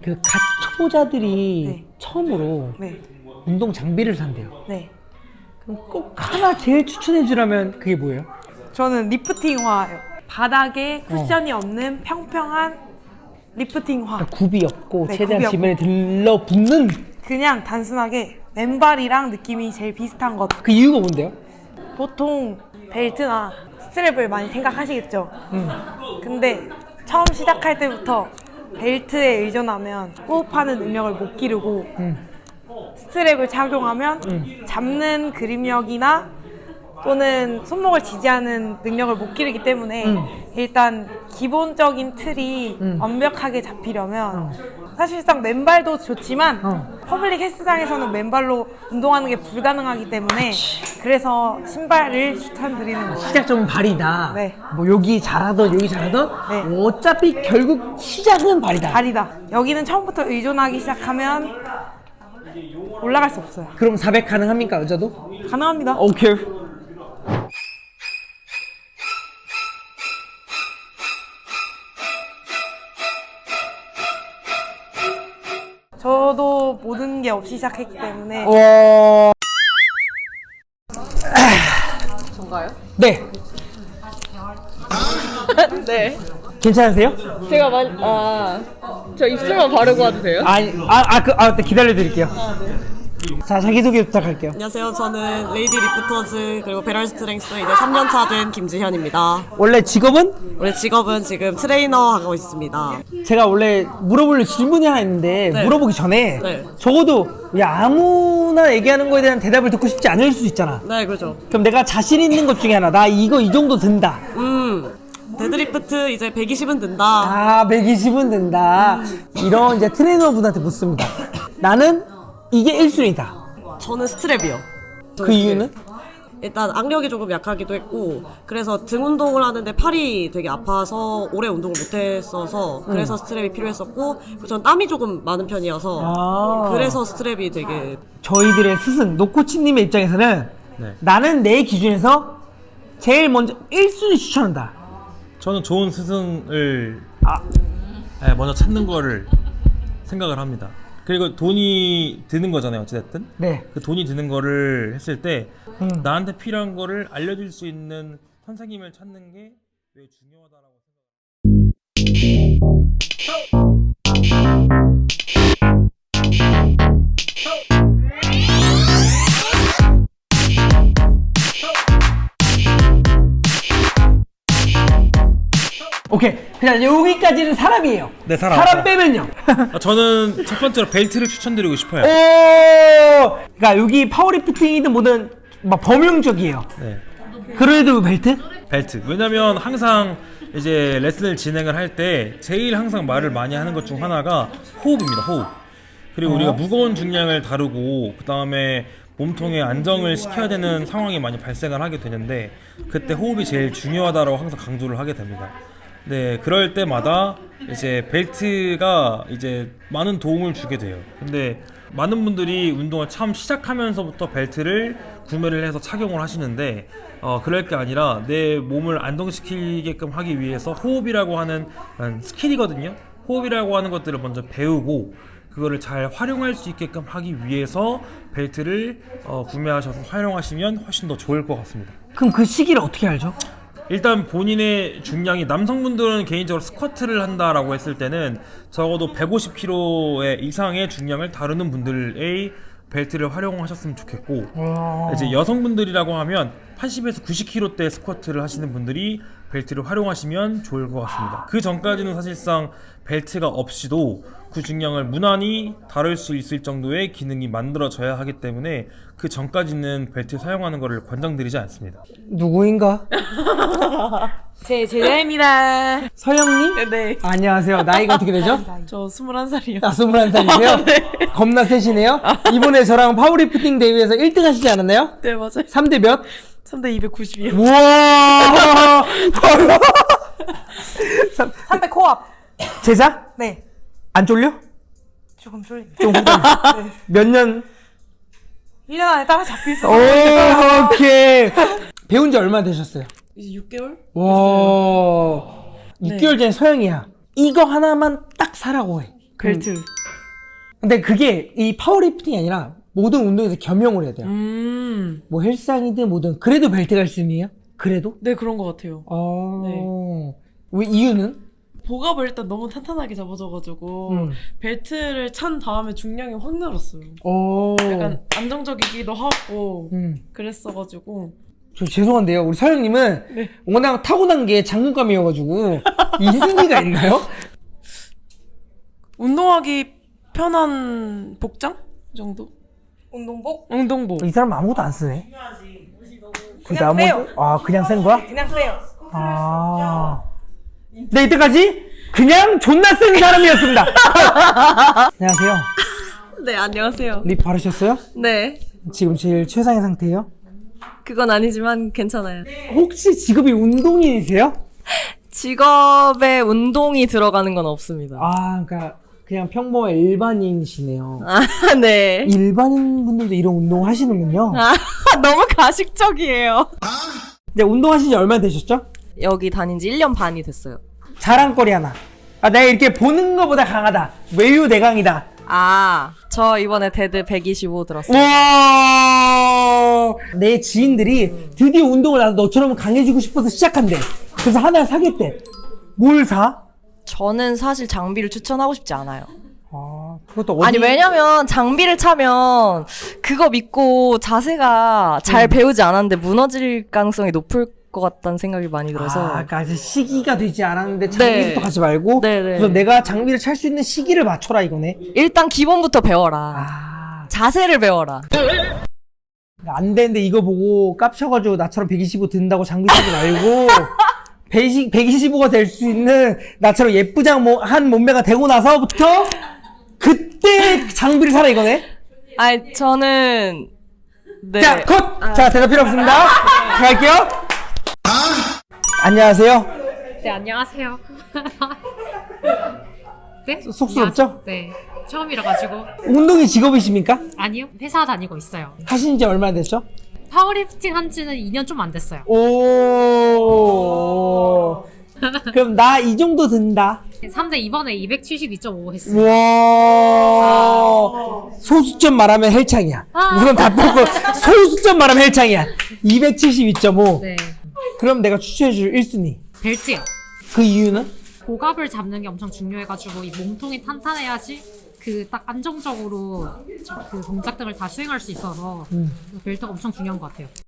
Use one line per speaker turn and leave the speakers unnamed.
그 갓 초보자들이
네.
처음으로
네.
운동 장비를 산대요.
네.
그럼 꼭 하나 제일 추천해 주라면 그게 뭐예요?
저는 리프팅화요. 바닥에 쿠션이 없는 평평한 리프팅화.
그러니까 굽이 없고
네,
최대한
굽이
지면에 들러붙는
그냥 단순하게 맨발이랑 느낌이 제일 비슷한 것.
그 이유가 뭔데요?
보통 벨트나 스트랩을 많이 생각하시겠죠. 근데 처음 시작할 때부터 벨트에 의존하면 호흡하는 능력을 못 기르고 스트랩을 착용하면 잡는 그립력이나 또는 손목을 지지하는 능력을 못 기르기 때문에 일단 기본적인 틀이 완벽하게 잡히려면 사실상 맨발도 좋지만 퍼블릭 헬스장에서는 맨발로 운동하는 게 불가능하기 때문에 그래서 신발을 추천드리는 거예요.
시작점은 발이다.
네.
뭐 여기 잘하던 여기 잘하던
네.
어차피 결국 시작은 발이다.
발이다. 여기는 처음부터 의존하기 시작하면 올라갈 수 없어요.
그럼 400 가능합니까 여자도?
가능합니다.
오케이.
저도 모든 게 없이 시작했기 때문에
전가요?
네.
네.
괜찮으세요?
제가 저 입술만 바르고 와도 돼요?
네, 기다려 드릴게요. 자, 자기소개 부탁할게요.
안녕하세요. 저는 레이디 리프터즈 그리고 배럴 스트렝스 이제 3년차 된 김지현입니다.
원래 직업은?
원래 직업은 지금 트레이너 하고 있습니다.
제가 원래 물어볼 질문이 하나 있는데
네.
물어보기 전에
네.
적어도 아무나 얘기하는 거에 대한 대답을 듣고 싶지 않을 수 있잖아.
네, 그렇죠.
그럼 내가 자신 있는 것 중에 하나, 나 이거 이 정도 든다.
데드리프트 이제 120은 든다.
아, 120은 된다. 이런 이제 트레이너분한테 묻습니다. 나는 이게 1순위다.
저는 스트랩이요.
그 이유는?
일단 악력이 조금 약하기도 했고 그래서 등 운동을 하는데 팔이 되게 아파서 오래 운동을 못했어서 그래서 스트랩이 필요했었고 그리고 전 땀이 조금 많은 편이어서
아.
그래서 스트랩이 되게
저희들의 스승 노코치님의 입장에서는
네.
나는 내 기준에서 제일 먼저 1순위 추천한다.
저는 좋은 스승을 먼저 찾는 거를 생각을 합니다. 그리고 돈이 드는 거잖아요, 어찌됐든.
네.
그 돈이 드는 거를 했을 때 나한테 필요한 거를 알려줄 수 있는 선생님을 찾는 게 왜 중요하다라고
오케이. 그냥 여기까지는 사람이에요.
네, 사람.
사람 빼면요.
저는 첫 번째로 벨트를 추천드리고 싶어요.
그러니까 여기 파워리프팅이든 뭐든 막 범용적이에요.
네.
그래도 벨트?
벨트. 왜냐면 항상 이제 레슨을 진행을 할 때 제일 항상 말을 많이 하는 것 중 하나가 호흡입니다. 호흡. 그리고 우리가 무거운 중량을 다루고 그 다음에 몸통에 안정을 시켜야 되는 상황이 많이 발생을 하게 되는데 그때 호흡이 제일 중요하다고 항상 강조를 하게 됩니다. 네, 그럴 때마다 이제 벨트가 이제 많은 도움을 주게 돼요. 근데 많은 분들이 운동을 처음 시작하면서부터 벨트를 구매를 해서 착용을 하시는데 그럴 게 아니라 내 몸을 안정시키게끔 하기 위해서 호흡이라고 하는 스킬이거든요. 호흡이라고 하는 것들을 먼저 배우고 그거를 잘 활용할 수 있게끔 하기 위해서 벨트를 구매하셔서 활용하시면 훨씬 더 좋을 것 같습니다.
그럼 그 시기를 어떻게 알죠?
일단 본인의 중량이 남성분들은 개인적으로 스쿼트를 한다라고 했을 때는 적어도 150kg 이상의 중량을 다루는 분들의 벨트를 활용하셨으면 좋겠고 이제 여성분들이라고 하면 80에서 90kg대 스쿼트를 하시는 분들이 벨트를 활용하시면 좋을 것 같습니다. 그 전까지는 사실상 벨트가 없이도 그 중량을 무난히 다룰 수 있을 정도의 기능이 만들어져야 하기 때문에 그 전까지는 벨트 사용하는 것을 권장드리지 않습니다.
누구인가?
제 제자입니다.
서영님?
네.
안녕하세요. 나이가 어떻게 되죠?
저 21살이요.
21살이세요?
네.
겁나 세시네요? 이번에 저랑 파워리프팅 대회에서 1등 하시지 않았나요?
네, 맞아요.
3대 몇?
3대 290이요.
우와!
300 코앞.
제자?
네.
안 쫄려?
조금 쫄립니다.
좀 후반. 몇 년?
1년 안에 따라잡힐 수
오,
있어요.
오케이. 배운 지 얼마나 되셨어요?
이제 6개월?
와. 6개월 전에 서영이야. 이거 하나만 딱 사라고 해.
벨트.
근데 그게 이 파워리프팅이 아니라 모든 운동에서 겸용을 해야 돼요. 뭐 헬스장이든 뭐든 그래도 벨트가 1순위예요? 그래도?
네, 그런 것 같아요.
네. 왜 이유는?
복압을 일단 너무 탄탄하게 잡아줘가지고 벨트를 찬 다음에 중량이 확 늘었어요. 약간 안정적이기도 하고 그랬어가지고.
저 죄송한데요. 우리 서영님은
네.
워낙 타고난 게 장군감이어가지고 이승기가 있나요?
운동하기 편한 복장 정도?
운동복?
운동복.
이 사람 아무것도 안 쓰네.
그냥 세요.
그냥 센 거야?
그냥 세요.
네, 이때까지 그냥 존나 센 사람이었습니다. 안녕하세요.
네, 안녕하세요.
립 바르셨어요?
네,
지금 제일 최상의 상태예요?
그건 아니지만 괜찮아요.
혹시 직업이 운동인이세요?
직업에 운동이 들어가는 건 없습니다.
그러니까 그냥 평범한 일반인이시네요.
네.
일반인 분들도 이런 운동 하시는군요.
너무 가식적이에요.
이제 운동하신 지 얼마나 되셨죠?
여기 다닌 지 1년 반이 됐어요.
자랑거리 하나. 내가 이렇게 보는 것보다 강하다. 외유 내강이다.
저 이번에 데드 125 들었어요.
우와! 내 지인들이 드디어 운동을 나도 너처럼 강해지고 싶어서 시작한대. 그래서 하나 사겠대. 뭘 사?
저는 사실 장비를 추천하고 싶지 않아요.
그것도 어디?
아니, 왜냐면 장비를 차면 그거 믿고 자세가 잘 배우지 않았는데 무너질 가능성이 높을 것 같다는 생각이 많이 들어서.
그러니까 아직 시기가 되지 않았는데 장비부터 가지 말고.
네네.
그래서 내가 장비를 찰 수 있는 시기를 맞춰라 이거네.
일단 기본부터 배워라. 자세를 배워라.
안 되는데 이거 보고 깝쳐가지고 나처럼 125 든다고 장비 사지 말고 125가 될 수 있는 나처럼 예쁘장한 몸매가 되고 나서부터 그때 장비를 사라 이거네.
아니, 저는 네.
자, 컷! 자, 대답 필요 없습니다. 갈게요. 안녕하세요.
네, 안녕하세요. 네?
쑥스럽죠?
안녕하세요. 네. 처음이라가지고.
운동이 직업이십니까?
아니요, 회사 다니고 있어요.
하신 지 얼마나 됐죠?
파워리프팅 한 지는 2년 좀 안 됐어요.
오. 그럼 나 이 정도 든다.
3대 이번에 272.5 했어요.
우와. 소수점 말하면 헬창이야. 우선 다 뽑고 소수점 말하면 헬창이야. 272.5.
네.
그럼 내가 추천해줄 1순위.
벨트요.
그 이유는?
복압을 잡는 게 엄청 중요해가지고 이 몸통이 탄탄해야지 그 딱 안정적으로 그 동작 등을 다 수행할 수 있어서 벨트가 엄청 중요한 것 같아요.